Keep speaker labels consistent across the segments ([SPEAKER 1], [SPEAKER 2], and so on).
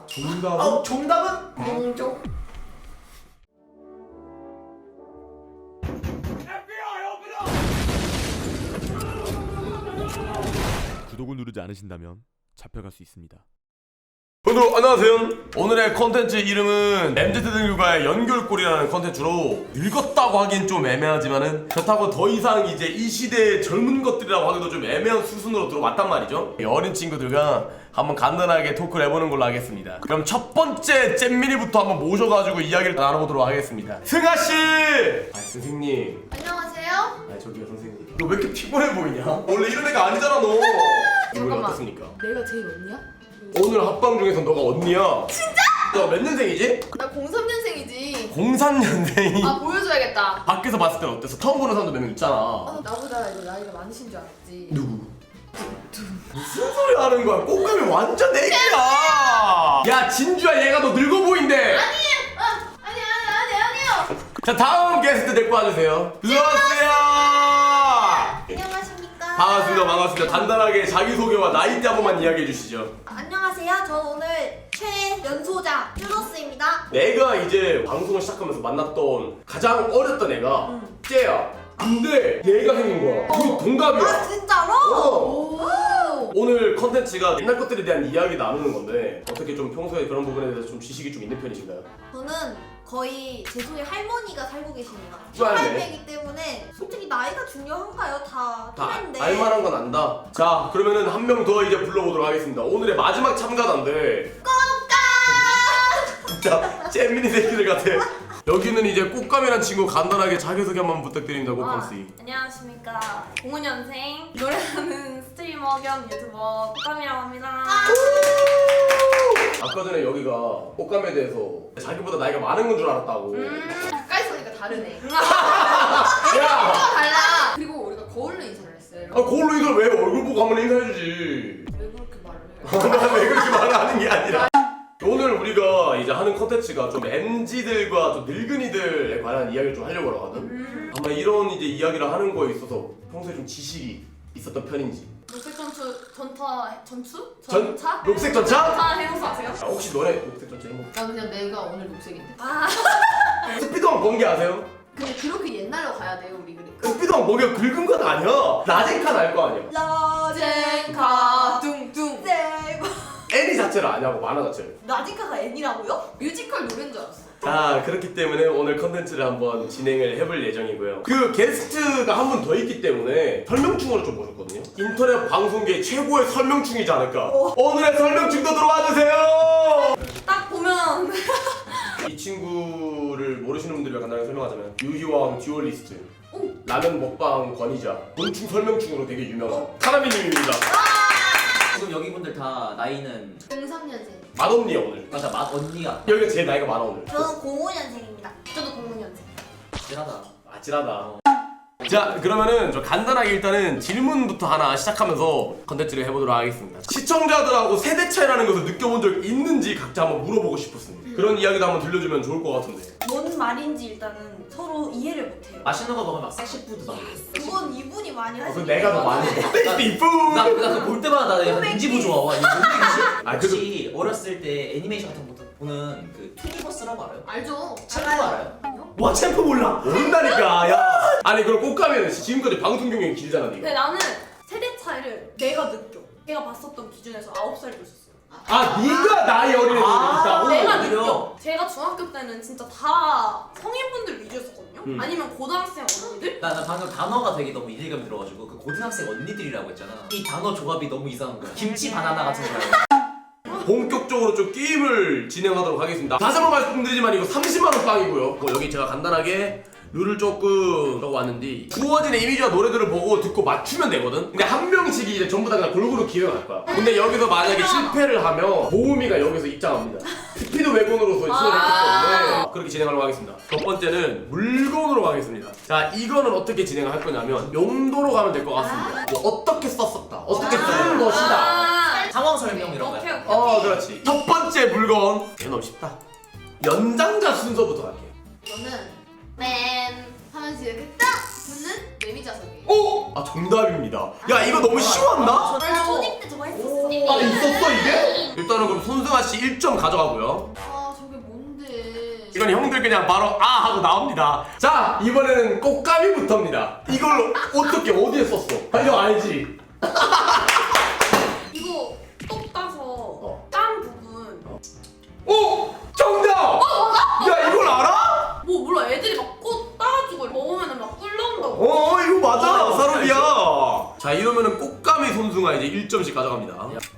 [SPEAKER 1] 정답은?
[SPEAKER 2] 정답은?
[SPEAKER 3] 공조.
[SPEAKER 4] 구독을 누르지 않으신다면 잡혀갈 수 있습니다.
[SPEAKER 1] 여러분 안녕하세요. 오늘의 컨텐츠 이름은 MZ 등급과의 연결고리라는 컨텐츠로 늙었다고 하긴 좀 애매하지만은 그렇다고 더 이상 이제 이 시대의 젊은 것들이라고 하기도 좀 애매한 수순으로 들어왔단 말이죠. 어린 친구들과 한번 간단하게 토크를 해보는 걸로 하겠습니다. 그럼 첫 번째 잼민이부터 한번 모셔가지고 이야기를 나눠보도록 하겠습니다. 승아씨! 선생님.
[SPEAKER 3] 안녕하세요.
[SPEAKER 1] 저기요 선생님. 너 왜 이렇게 피곤해 보이냐? 원래 이런 애가 아니잖아 너. 오늘 어떻습니까?
[SPEAKER 3] 내가 제일 언니야?
[SPEAKER 1] 오늘 합방 중에서 너가 언니야. 진짜? 너 몇 년생이지?
[SPEAKER 3] 나 03년생이지.
[SPEAKER 1] 03년생이.
[SPEAKER 3] 아 보여줘야겠다.
[SPEAKER 1] 밖에서 봤을 때는 어땠어? 처음 보는 사람도 몇 명 있잖아.
[SPEAKER 3] 나보다 이거 나이가 많으신 줄 알았지.
[SPEAKER 1] 누구? 무슨 소리 하는 거야? 꽃감이 완전 애기야. 야 진주야, 얘가 너 늙어 보인대.
[SPEAKER 3] 아니요.
[SPEAKER 1] 자 다음 게스트 데리고 와주세요. 들어오세요.
[SPEAKER 5] 안녕하십니까?
[SPEAKER 1] 반갑습니다. 간단하게 자기소개와 나이대 한 번만 이야기해 주시죠.
[SPEAKER 5] 안녕하세요. 저 오늘 최연소자 쭈로스입니다.
[SPEAKER 1] 내가 이제 방송을 시작하면서 만났던 가장 어렸던 애가 쟤야. 근데 얘가 생긴 거야. 우리 동갑이야.
[SPEAKER 5] 아 진짜로?
[SPEAKER 1] 어. 오늘 컨텐츠가 옛날 것들에 대한 이야기 나누는 건데 어떻게 좀 평소에 그런 부분에 대해서 좀 지식이 좀 있는 편이신가요?
[SPEAKER 5] 저는 거의 제 속에 할머니가 살고 계시네요.
[SPEAKER 1] 좋아하네.
[SPEAKER 5] 18배이기 때문에 솔직히 나이가 중요한가요? 다
[SPEAKER 1] 다
[SPEAKER 5] 또래인데.
[SPEAKER 1] 알만한 건 안다. 자 그러면은 한 명 더 이제 불러보도록 하겠습니다. 오늘의 마지막 참가자인데 진짜 잼민이 새끼들 같아. 여기는 이제 꽃감이란 친구 간단하게 자기소개 한번 부탁드립니다. 꽃감씨.
[SPEAKER 6] 안녕하십니까. 05년생 노래하는 스트리머 겸 유튜버 꽃감이라고 합니다.
[SPEAKER 1] 아까 전에 여기가 꽃감에 대해서 자기보다 나이가 많은 건 줄 알았다고.
[SPEAKER 3] 가까이 있으니까 다르네.
[SPEAKER 1] 야!
[SPEAKER 3] 달라. 그리고 우리가 거울로 인사를 했어요.
[SPEAKER 1] 아 거울로 이걸 왜 얼굴 보고 한번 인사해주지.
[SPEAKER 3] 왜 그렇게 말을 해요?
[SPEAKER 1] 난 왜 그렇게 말하는 게 아니라 오늘 우리가 이제 하는 컨텐츠가 좀 MZ들과 좀 늙은이들에 관한 이야기를 좀 하려고 하거든. 아마 이런 이제 이야기를 하는 거에 있어서 평소에 좀 지식이 있었던 편인지.
[SPEAKER 6] 녹색 전투?
[SPEAKER 1] 전?
[SPEAKER 6] 전차?
[SPEAKER 1] 녹색 전차?
[SPEAKER 6] 전차 해보수 아세요?
[SPEAKER 1] 아, 혹시 너네 녹색 전차 해먹
[SPEAKER 3] 난 그냥 내가 오늘 녹색인데.
[SPEAKER 1] 스피드왕 번개 아세요?
[SPEAKER 3] 근데 그렇게 옛날로 가야 돼요 우리 그러니까.
[SPEAKER 1] 스피드왕 번개가 긁은 건 아니야. 라젠칸 알 거 아니야.
[SPEAKER 3] 라젠카 둥둥.
[SPEAKER 5] 네.
[SPEAKER 1] 애니 자체를 아냐고, 만화 자체를.
[SPEAKER 5] 라디카가 애니라고요?
[SPEAKER 3] 뮤지컬 노래인 줄 알았어.
[SPEAKER 1] 자 그렇기 때문에 오늘 컨텐츠를 한번 진행을 해볼 예정이고요. 그 게스트가 한 분 더 있기 때문에 설명충으로 좀 모셨거든요. 인터넷 방송계 최고의 설명충이지 않을까. 오늘의 설명충도 들어와 주세요.
[SPEAKER 6] 딱 보면
[SPEAKER 1] 이 친구를 모르시는 분들이 간단하게 설명하자면 유희왕 듀얼리스트, 라면 먹방 권위자, 곤충 설명충으로 되게 유명한 카라미님입니다.
[SPEAKER 2] 지금 여기 분들 다 나이는
[SPEAKER 3] 03년생.
[SPEAKER 1] 맏언니야 오늘.
[SPEAKER 2] 맞아 언니가
[SPEAKER 1] 여기가 제일 나이가 많아 오늘.
[SPEAKER 5] 저는 05년생입니다.
[SPEAKER 3] 저도 05년생.
[SPEAKER 2] 찔하다.
[SPEAKER 1] 아찔하다. 자 그러면은 저 간단하게 일단은 질문부터 하나 시작하면서 컨텐츠를 해보도록 하겠습니다. 시청자들하고 세대 차이라는 것을 느껴본 적 있는지 각자 한번 물어보고 싶었습니다. 그런 이야기도 한번 들려주면 좋을 것 같은데.
[SPEAKER 5] 뭔 말인지 일단은 서로 이해를 못해요.
[SPEAKER 2] 맛있는 거 먹으면 막 섹시푸드 막
[SPEAKER 5] 그건 이분이 많이 하시는
[SPEAKER 1] 그럼 내가 더 많이 섹시푸.
[SPEAKER 2] 나 그거 볼 때마다 나 약간 인지부 좋아. 와 이거 뭔 얘기지?
[SPEAKER 1] 아,
[SPEAKER 2] 혹시 어렸을 때 애니메이션 같은 거 보는 그 투니버스라고 알아요?
[SPEAKER 3] 알죠?
[SPEAKER 2] 챔프 알아요?
[SPEAKER 1] 와 챔프 몰라. 모른다니까. 야. 아니 그럼 꽃가면 지금까지 방송 경력이 길잖아 니가.
[SPEAKER 6] 근데 나는 세대 차이를 내가 느껴. 내가 봤었던 기준에서 9살 줬었어요.
[SPEAKER 1] 아 네가 나이 어린 애들이 있다고?
[SPEAKER 6] 내가
[SPEAKER 2] 오히려.
[SPEAKER 6] 느껴. 제가 중학교 때는 진짜 다 성인분들 위주였었거든요. 아니면 고등학생 언니들?
[SPEAKER 2] 나 방금 단어가 되게 너무 이질감이 들어가지고 그 고등학생 언니들이라고 했잖아. 이 단어 조합이 너무 이상한 거야. 김치 바나나 같은 거야.
[SPEAKER 1] 본격적으로 좀 게임을 진행하도록 하겠습니다. 다시 한번 말씀드리지만 이거 30만원 빵이고요. 여기 제가 간단하게 룰을 조금 적어 왔는데 주어진 이미지와 노래들을 보고 듣고 맞추면 되거든? 근데 한 명씩 이제 전부 다 그냥 골고루 기획할 거야. 근데 여기서 만약에 실패를 하면 보음이가 여기서 입장합니다. 스피드 외곤으로서 출연했기 때문에 그렇게 진행하려고 하겠습니다. 첫 번째는 물건으로 가겠습니다. 자 이거는 어떻게 진행을 할 거냐면 용도로 가면 될 것 같습니다. 뭐 어떻게 썼었다, 어떻게 쓰는 것이다.
[SPEAKER 2] 상황 설명 이런
[SPEAKER 6] 오케이
[SPEAKER 2] 거야.
[SPEAKER 6] 오케이.
[SPEAKER 1] 그렇지. 첫 번째 물건 너무 쉽다. 연장자 순서부터 갈게요.
[SPEAKER 3] 저는 맨 하면서 이렇게 딱 붙는 매미자석이에요.
[SPEAKER 1] 오! 아 정답입니다. 야 이거 너무 쉬웠나?
[SPEAKER 5] 나 초딩 때 저거 했었어.
[SPEAKER 1] 아 있었어 이게? 일단은 그럼 손승아 씨 1점 가져가고요.
[SPEAKER 3] 아 저게 뭔데?
[SPEAKER 1] 이건 형들 그냥 바로 아 하고 나옵니다. 자 이번에는 꽃가미부터입니다. 이걸 어떻게 어디에 썼어? 아, 이거 알지?
[SPEAKER 6] 이거 똑 따서 딴 부분
[SPEAKER 1] 오! 정답! 야 이걸 알아?
[SPEAKER 6] 뭐 몰라 애들이 막 꽃 따가지고 먹으면 막 꿀나온다고.
[SPEAKER 1] 이거 맞아
[SPEAKER 2] 어,
[SPEAKER 1] 사람이야. 자 이러면은 꽃가미 손승아 이제 1점씩 가져갑니다.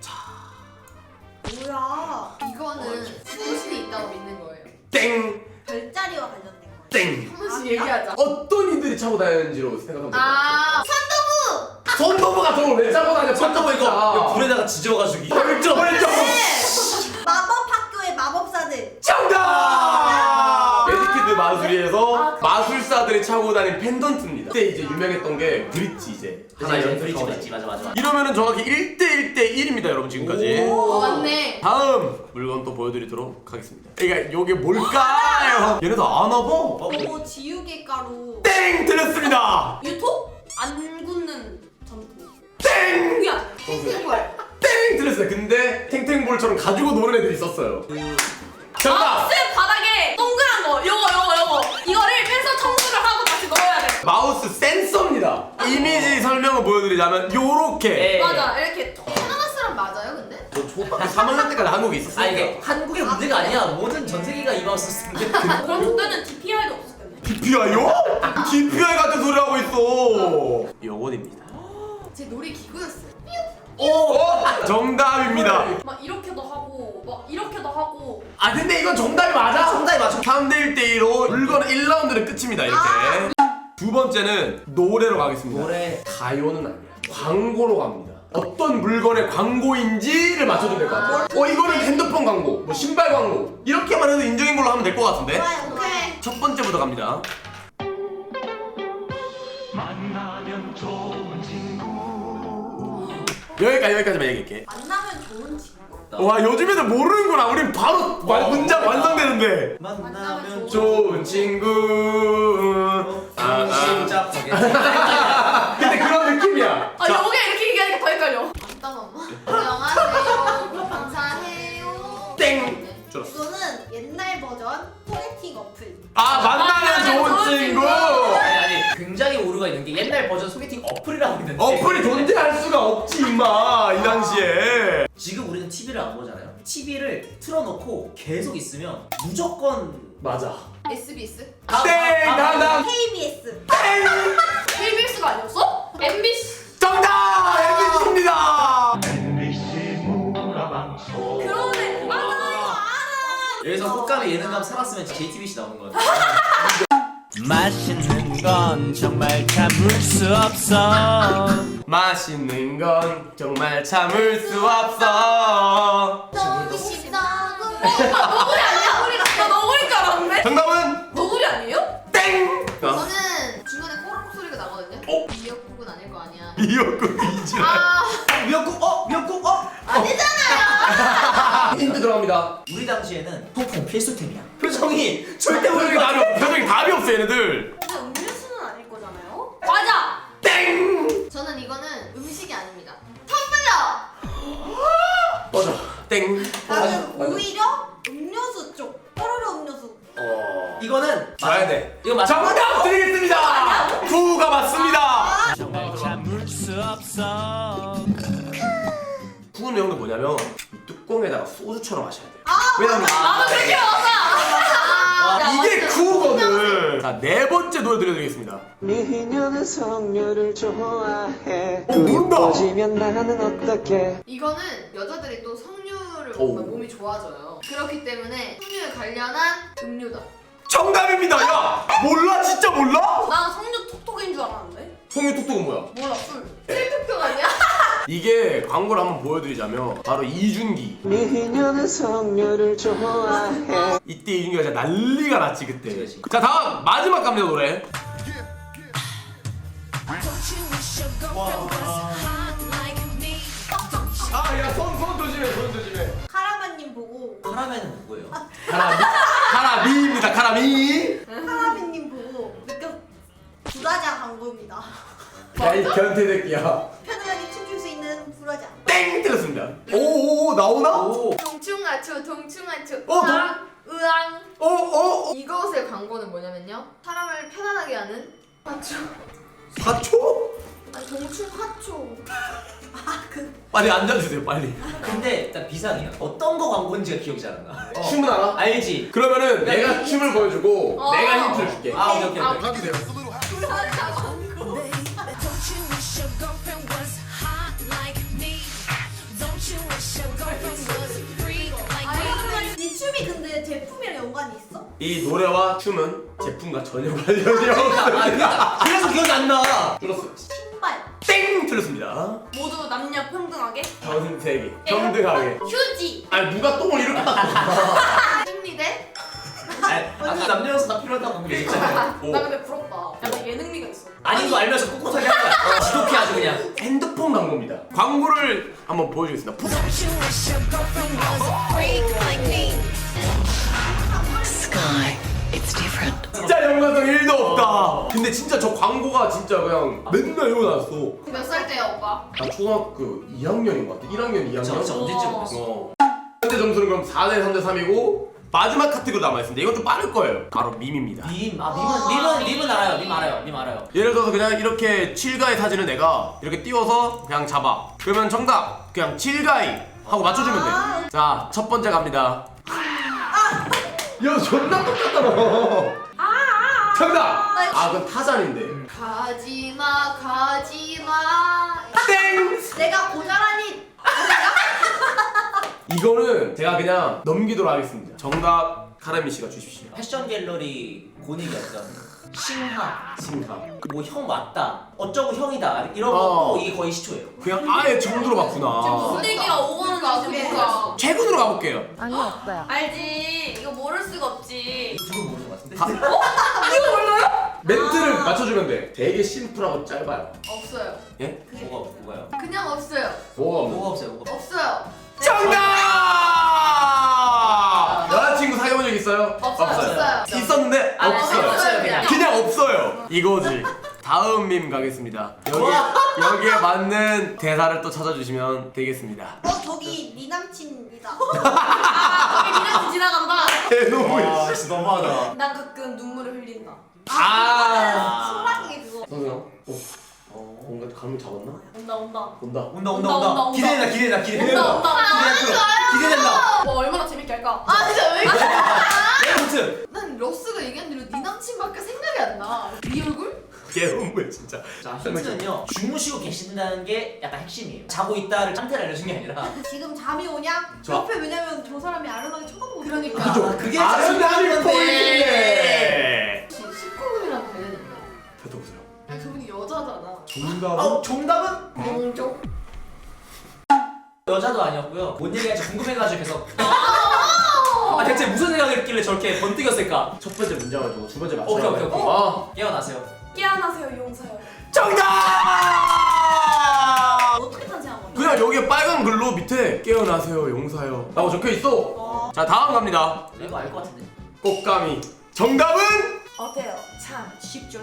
[SPEAKER 5] 뭐야?
[SPEAKER 3] 이거는 소신이 있다고 믿는 거예요.
[SPEAKER 1] 땡!
[SPEAKER 5] 별자리와 관련된 거예요.
[SPEAKER 1] 땡!
[SPEAKER 3] 한 번씩 얘기하자.
[SPEAKER 1] 어떤 이들이 차고 다니는지로 생각하면 돼.
[SPEAKER 3] 아
[SPEAKER 1] 손도부가 저걸 왜 차고 다녀?
[SPEAKER 2] 손톱 이거 불에다가 지져가지고
[SPEAKER 1] 1점! 1점!
[SPEAKER 5] 마법 학교의 마법사들.
[SPEAKER 1] 정답! 매직키드 마술이에서 마술사들이 차고 다닌 펜던트입니다. 그때 이제 유명했던 게 브릿지 이제 하나 연습하고
[SPEAKER 2] 브릿지 맞아.
[SPEAKER 1] 이러면은 정확히 1대 1입니다 여러분 지금까지.
[SPEAKER 3] 맞네.
[SPEAKER 1] 다음 물건 또 보여드리도록 하겠습니다. 그러니까 이게 뭘까요? 얘네도 아나 봐?
[SPEAKER 5] 저거 지우개 가루.
[SPEAKER 1] 땡! 틀렸습니다!
[SPEAKER 6] 유토? 안 굳는 전통.
[SPEAKER 1] 땡!
[SPEAKER 6] 그게 아니야.
[SPEAKER 3] 탱탱볼.
[SPEAKER 1] 땡! 틀렸어요. 근데 탱탱볼처럼 가지고 노는 애들이 있었어요. 정답!
[SPEAKER 6] 마우스 바닥에 동그란 거 요거 이거를 빼서 청소를 하고 다시 넣어야 돼.
[SPEAKER 1] 마우스 센서입니다. 이미지 설명을 보여드리자면 요렇게
[SPEAKER 2] 네.
[SPEAKER 6] 맞아 이렇게
[SPEAKER 3] 캐나다 사람 맞아요 근데?
[SPEAKER 1] 저 초등학교 3학년 때까지 한국에 있었어요.
[SPEAKER 2] 아 이게 한국의 문제가 아니야. 모든 전 세계가 이 마우스 쓰는데.
[SPEAKER 6] 그럼 그때는 DPI도 없었겠네.
[SPEAKER 1] DPI요? DPI 같은 소리 하고 있어. 영원입니다.
[SPEAKER 3] 제 놀이 기구였어요.
[SPEAKER 1] 오! 정답입니다.
[SPEAKER 6] 막 이렇게도 하고 막 이렇게도 하고.
[SPEAKER 1] 아 근데 이건 정답이 맞아.
[SPEAKER 2] 정답이 맞아.
[SPEAKER 1] 3대 1대2로 물건 1라운드는 끝입니다. 이렇게. 두 번째는 노래로 가겠습니다.
[SPEAKER 2] 노래.
[SPEAKER 1] 가요는 아니야. 광고로 갑니다. 어떤 물건의 광고인지를 맞춰주면 될 것 같아요. 이거는 핸드폰 광고, 뭐 신발 광고 이렇게만 해도 인정인 걸로 하면 될 것 같은데.
[SPEAKER 5] 좋아요.
[SPEAKER 3] 오케이.
[SPEAKER 1] 첫 번째부터 갑니다. 여기까지만 얘기할게.
[SPEAKER 5] 만나면 좋은 친구.
[SPEAKER 1] 와 요즘 애들 모르는구나. 우린 바로 문장 완성되는데.
[SPEAKER 2] 만나면
[SPEAKER 1] 좋은 친구.
[SPEAKER 2] 시작하게.
[SPEAKER 1] 근데 그런 느낌이야.
[SPEAKER 6] 아 요게 이렇게 얘기하니까 더 헷갈려.
[SPEAKER 3] 맞다 엄마. 안녕하세요. 감사해요.
[SPEAKER 1] 땡. 줄었어.
[SPEAKER 5] 이거는 옛날 버전 소개팅 어플.
[SPEAKER 1] 만나면 좋은 친구.
[SPEAKER 2] 아니 굉장히 오류가 있는 게 옛날 버전 소개팅 어플이라고 있는데
[SPEAKER 1] 어플이 존재할 수가 없지 임마 이 당시에.
[SPEAKER 2] 지금 우리는 TV를 안 보잖아요. TV를 틀어놓고 계속 있으면 무조건
[SPEAKER 1] 맞아.
[SPEAKER 3] SBS?
[SPEAKER 1] 땡. 다음.
[SPEAKER 5] KBS.
[SPEAKER 6] KBS가 아니었어? MBC.
[SPEAKER 1] 정답. MBC입니다.
[SPEAKER 6] 그러네.
[SPEAKER 2] 여기서 꽃감이 예능감 살았으면 JTBC 나오는 거야.
[SPEAKER 7] 맛있는 건 정말 참을 수 없어.
[SPEAKER 1] 맛있는 건 정말 참을 수 없어.
[SPEAKER 3] 너무 쉽다고.
[SPEAKER 6] 너구리 아니야? 나 너구리인 줄 알았는데?
[SPEAKER 1] 정답은
[SPEAKER 6] 너구리 아니에요?
[SPEAKER 1] 땡.
[SPEAKER 3] 저는 중간에 꼬르륵 소리가 나거든요.
[SPEAKER 1] 어?
[SPEAKER 3] 미역국은 아닐 거 아니야.
[SPEAKER 1] 미역국 이지라.
[SPEAKER 3] 아
[SPEAKER 2] 미역국
[SPEAKER 1] 힌트 들어갑니다.
[SPEAKER 2] 우리 당시에는 소품 필수템이야. 표정이 절대
[SPEAKER 1] 표정이 답이 없어. 표정이 답이 없어 얘네들.
[SPEAKER 6] 근데 음료수는 아닐 거잖아요? 맞아!
[SPEAKER 1] 땡.
[SPEAKER 3] 저는 이거는 음식이 아닙니다. 텀블러.
[SPEAKER 1] 맞아. 땡.
[SPEAKER 5] 나는 오히려 음료수 쪽. 뽀로로 음료수.
[SPEAKER 2] 이거는
[SPEAKER 1] 줘야 돼.
[SPEAKER 2] 이거 맞아.
[SPEAKER 1] 정답 드리겠습니다. 구가 맞습니다.
[SPEAKER 7] 정말 참을 수 없어.
[SPEAKER 1] 푸는 형도 뭐냐면 이 뚜껑에다가 소주처럼 마셔야 돼. 왜냐면
[SPEAKER 6] 나도 그렇게 먹어!
[SPEAKER 1] 이게 쿠거든. 자, 네 번째 노래 들려드리겠습니다.
[SPEAKER 8] 미녀는 석류를 좋아해.
[SPEAKER 1] 모른다.
[SPEAKER 8] 꺼지면 나는 어떻게?
[SPEAKER 3] 이거는 여자들이 또 석류를
[SPEAKER 1] 오.
[SPEAKER 3] 먹으면 몸이 좋아져요. 그렇기 때문에 석류에 관련한 음료다.
[SPEAKER 1] 정답입니다. 야, 몰라 진짜 몰라?
[SPEAKER 6] 난 석류 톡톡인 줄 알았는데?
[SPEAKER 1] 송유 뚝뚝은 뭐야?
[SPEAKER 6] 몰라 술.
[SPEAKER 3] 셀톡톡 아니야?
[SPEAKER 1] 이게 광고를 한번 보여드리자면 바로 이준기.
[SPEAKER 8] 미녀는 석류를 좋아해.
[SPEAKER 1] 이때 이준기가 진짜 난리가 났지 그때.
[SPEAKER 2] 그치.
[SPEAKER 1] 자 다음 마지막 갑니다 노래. 아야손 조심해 손 조심해.
[SPEAKER 5] 카라반님 보고.
[SPEAKER 2] 카라멜은 누구예요?
[SPEAKER 1] 카라미입니다 카라미.
[SPEAKER 5] 카라반님 보고 느껴. 브라자 광고입니다.
[SPEAKER 1] 야이 변태새끼야.
[SPEAKER 5] 편안하게 춤출 수 있는 브라자.
[SPEAKER 1] 땡 틀렸습니다. 오오 나오나?
[SPEAKER 2] 오.
[SPEAKER 3] 동충하초 동충하초
[SPEAKER 1] 어,
[SPEAKER 3] 으앙 이것의 광고는 뭐냐면요 사람을 편안하게 하는 하초
[SPEAKER 1] 사초?
[SPEAKER 3] 아니 동충하초
[SPEAKER 1] 빨리 앉아주세요 빨리.
[SPEAKER 2] 근데 일단 비상이야. 어떤 거 광고인지가 기억이 잘 안 나.
[SPEAKER 1] 춤은 알아?
[SPEAKER 2] 알지?
[SPEAKER 1] 그러면은 내가 춤을 보여주고 내가 힌트를 줄게.
[SPEAKER 2] 아 오케이 오케이. 오케이.
[SPEAKER 1] 해주세요.
[SPEAKER 5] 이 춤이 근데 제품이랑 연관이 있어?
[SPEAKER 1] 이 노래와 춤은 제품과 전혀 관련이 없습니다.
[SPEAKER 2] 그래서 기억이 안 나.
[SPEAKER 1] 줄었어.
[SPEAKER 5] 신발.
[SPEAKER 1] 땡! 틀렸습니다.
[SPEAKER 6] 모두 남녀 평등하게.
[SPEAKER 1] 전 세계 평등하게.
[SPEAKER 6] 휴지.
[SPEAKER 1] 아니 누가 똥을 이렇게 딱
[SPEAKER 3] 승리대
[SPEAKER 2] 아까 남녀여서 다 필요하다고 얘기했잖아요.
[SPEAKER 1] 오.
[SPEAKER 6] 나 근데 부럽다. 약간 예능미가 있어.
[SPEAKER 2] 아닌 거 알면서 꿋꿋하게 한 거야. 지독해 아주 그냥.
[SPEAKER 1] 핸드폰 광고입니다. 광고를 한번 보여주겠습니다. 진짜 연관성 1도 없다. 근데 진짜 저 광고가 진짜 그냥 맨날 이거 나왔어.
[SPEAKER 3] 몇 살 때야 오빠?
[SPEAKER 1] 나 초등학교 2학년인 것 같아. 1학년, 2학년.
[SPEAKER 2] 진짜 언제쯤 그랬어?
[SPEAKER 1] 어. 현재 점수는 그럼 4대 3대 3이고 마지막 카테고리 남아있습니다. 이건 좀 빠를 거예요. 바로 밈입니다.
[SPEAKER 2] 밈은 알아요. 밈 알아요.
[SPEAKER 1] 예를 들어서 그냥 이렇게 칠가이 사진을 내가 이렇게 띄워서 그냥 잡아. 그러면 정답 그냥 칠가이 하고 맞춰주면 돼. 자, 첫 번째 갑니다. 야, 존나 똑같잖아. 정답. 아, 그건 타잔인데.
[SPEAKER 3] 가지마
[SPEAKER 1] 땡.
[SPEAKER 5] 내가 고자라니.
[SPEAKER 1] 이거는 제가 그냥 넘기도록 하겠습니다. 정답 카라미 씨가 주십시오.
[SPEAKER 2] 패션 갤러리 곤익이었던 싱하.
[SPEAKER 1] 심사.
[SPEAKER 2] 뭐 형 맞다. 어쩌고 형이다. 이런
[SPEAKER 1] 어.
[SPEAKER 2] 것도 이게 거의 시초예요.
[SPEAKER 1] 그냥 아예 처음 들어봤구나.
[SPEAKER 6] 무슨 얘기가 오가는 거 같아.
[SPEAKER 1] 최근으로 가볼게요.
[SPEAKER 6] 알지. 이거 모를 수가 없지.
[SPEAKER 2] 두분 모르는 것 같은데?
[SPEAKER 6] 이거 몰라요?
[SPEAKER 1] 멘트를 맞춰주면 돼. 되게 심플하고 짧아요.
[SPEAKER 3] 없어요
[SPEAKER 1] 예?
[SPEAKER 2] 뭐가요?
[SPEAKER 3] 그냥 없어요
[SPEAKER 1] 뭐가 없는?
[SPEAKER 2] 뭐가 없어요? 뭐가
[SPEAKER 3] 없어요
[SPEAKER 1] 정답! 여자친구 사귀어본 적 있어요?
[SPEAKER 3] 없어요.
[SPEAKER 1] 있었는데
[SPEAKER 2] 아,
[SPEAKER 1] 없어요.
[SPEAKER 2] 없어요, 그냥.
[SPEAKER 1] 그냥 없어요. 이거지. 다음 밈 가겠습니다. 여기에 맞는 대사를 또 찾아주시면 되겠습니다.
[SPEAKER 5] 저기 네 남친이다.
[SPEAKER 6] 저기 미련 지나간다.
[SPEAKER 1] 대노무.
[SPEAKER 2] 아 진짜 너무하다.
[SPEAKER 6] 난 가끔 눈물을 흘린다.
[SPEAKER 5] 소라기 그거.
[SPEAKER 1] 선생님. 뭔가 감을 잡았나?
[SPEAKER 6] 온다.
[SPEAKER 1] 온다.
[SPEAKER 2] 기대된다.
[SPEAKER 6] 와 얼마나 재밌게 할까?
[SPEAKER 3] 아 진짜 왜 이렇게
[SPEAKER 2] 아무튼
[SPEAKER 3] 난 러스가 얘기한 대로 네 남친밖에 생각이 안나네 얼굴?
[SPEAKER 1] 개운물 진짜.
[SPEAKER 2] 자 힌트는요. 주무시고 계신다는 게 약간 핵심이에요. 자고 있다를 짠테를 알려준 게 아니라.
[SPEAKER 5] 지금 잠이 오냐?
[SPEAKER 1] 저-
[SPEAKER 5] 옆에 왜냐면 저 사람이 아련하게 쳐다보고
[SPEAKER 3] 그러니까
[SPEAKER 2] 아, 그게
[SPEAKER 1] 아름다운
[SPEAKER 2] 건데.
[SPEAKER 1] 포인트네.
[SPEAKER 3] 19금이랑 되는데
[SPEAKER 1] 뱉어보세요.
[SPEAKER 3] 아니 저분이 여자잖아
[SPEAKER 1] 정답은?
[SPEAKER 2] 정답은
[SPEAKER 3] 용종?
[SPEAKER 2] 여자도 아니었고요. 뭔 얘기할지 궁금해가지고 계속. 아 대체 무슨 생각을 했길래 저렇게 번뜩였을까?
[SPEAKER 1] 첫 번째 문제 가지고 두 번째
[SPEAKER 2] 오케이,
[SPEAKER 1] 맞춰야
[SPEAKER 2] 오케이. 깨어나세요.
[SPEAKER 6] 깨어나세요 용사요.
[SPEAKER 1] 정답!
[SPEAKER 5] 어떻게 탄생한 거냐?
[SPEAKER 1] 그냥 여기에 빨간 글로 밑에 깨어나세요 용사요 라고 적혀있어. 자, 다음 갑니다.
[SPEAKER 2] 이거 알 것 같은데.
[SPEAKER 1] 꽃가미. 정답은?
[SPEAKER 6] 어때요? 참 쉽죠?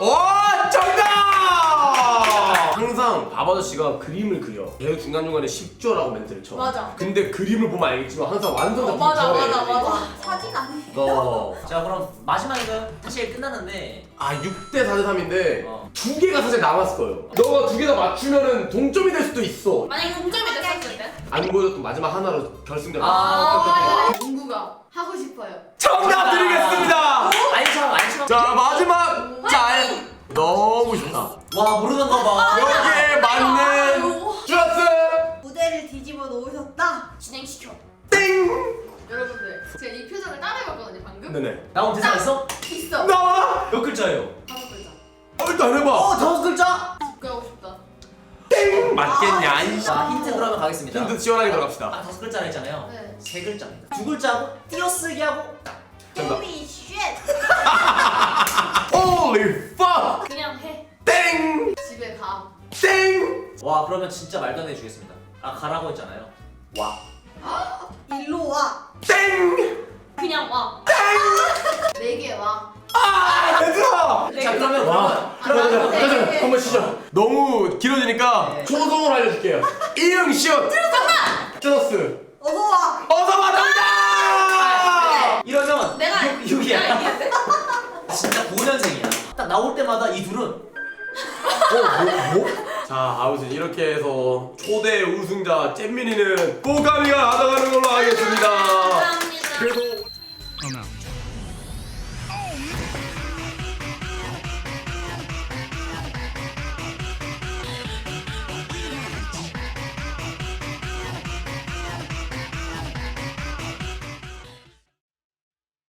[SPEAKER 1] 정답! 항상 밥 아저씨가 그림을 그려. 계속 중간중간에 10조라고 멘트를 쳐.
[SPEAKER 6] 맞아.
[SPEAKER 1] 근데 그림을 보면 알겠지만 항상 완성작
[SPEAKER 6] 맞아.
[SPEAKER 5] 사진 아니에요.
[SPEAKER 2] 자 그럼 마지막이가요. 사실 끝났는데.
[SPEAKER 1] 6대 4대 3인데
[SPEAKER 2] 어.
[SPEAKER 1] 두 개가 사실 남았어요. 너가 두 개 다 맞추면은 동점이 될 수도 있어.
[SPEAKER 6] 만약에 동점이 됐었을 때?
[SPEAKER 1] 안 보여줬던 마지막 하나로 결승전.
[SPEAKER 3] 농구가 하고 싶어요
[SPEAKER 1] 정답 드리겠습니다.
[SPEAKER 2] 아니처럼.
[SPEAKER 1] 자, 마지막 짤. 너무 좋다.
[SPEAKER 2] 와 모르는 거 봐.
[SPEAKER 1] 여기에 맞는 주라스
[SPEAKER 5] 무대를 뒤집어 놓으셨다.
[SPEAKER 6] 진행시켜.
[SPEAKER 1] 땡.
[SPEAKER 3] 여러분들 제가 이 표정을 따라해봤거든요 방금
[SPEAKER 1] 네네.
[SPEAKER 2] 나온 대사 있어?
[SPEAKER 3] 있어
[SPEAKER 1] 나와.
[SPEAKER 2] 몇 글자예요?
[SPEAKER 3] 5글자
[SPEAKER 1] 일단 해봐.
[SPEAKER 2] 5글자?
[SPEAKER 3] 집가 하고 싶다
[SPEAKER 1] 땡. 맞겠냐? 이
[SPEAKER 2] 자 힌트 그러면 가겠습니다.
[SPEAKER 1] 힌트 시원하게 들어갑시다.
[SPEAKER 2] 5글자라 했잖아요.
[SPEAKER 3] 네
[SPEAKER 2] 3글자입니다. 2글자고 띄어쓰기 하고.
[SPEAKER 1] 정답.
[SPEAKER 5] 홀리 쉣.
[SPEAKER 1] Holy fuck.
[SPEAKER 6] 그냥 해.
[SPEAKER 1] 땡.
[SPEAKER 3] 집에 가
[SPEAKER 1] 땡.
[SPEAKER 2] 와 그러면 진짜 말도 안 해주겠습니다. 가라고 했잖아요. 와.
[SPEAKER 5] 일로 와.
[SPEAKER 1] 땡.
[SPEAKER 6] 그냥 와.
[SPEAKER 3] 4개 와
[SPEAKER 1] 얘들아.
[SPEAKER 2] 자 그러면
[SPEAKER 1] 가자. 한번 쉬자. 너무 길어지니까
[SPEAKER 2] 네.
[SPEAKER 1] 초성을 알려줄게요. 이응시옷. 쩌스.
[SPEAKER 5] 어서 와.
[SPEAKER 1] 어서 와라.
[SPEAKER 2] 95년생이야. 딱 나올 때마다 이 둘은
[SPEAKER 1] 자, 아무튼 이렇게 해서 초대 우승자 잼민이는 꼬가미가 나가는 걸로 하겠습니다.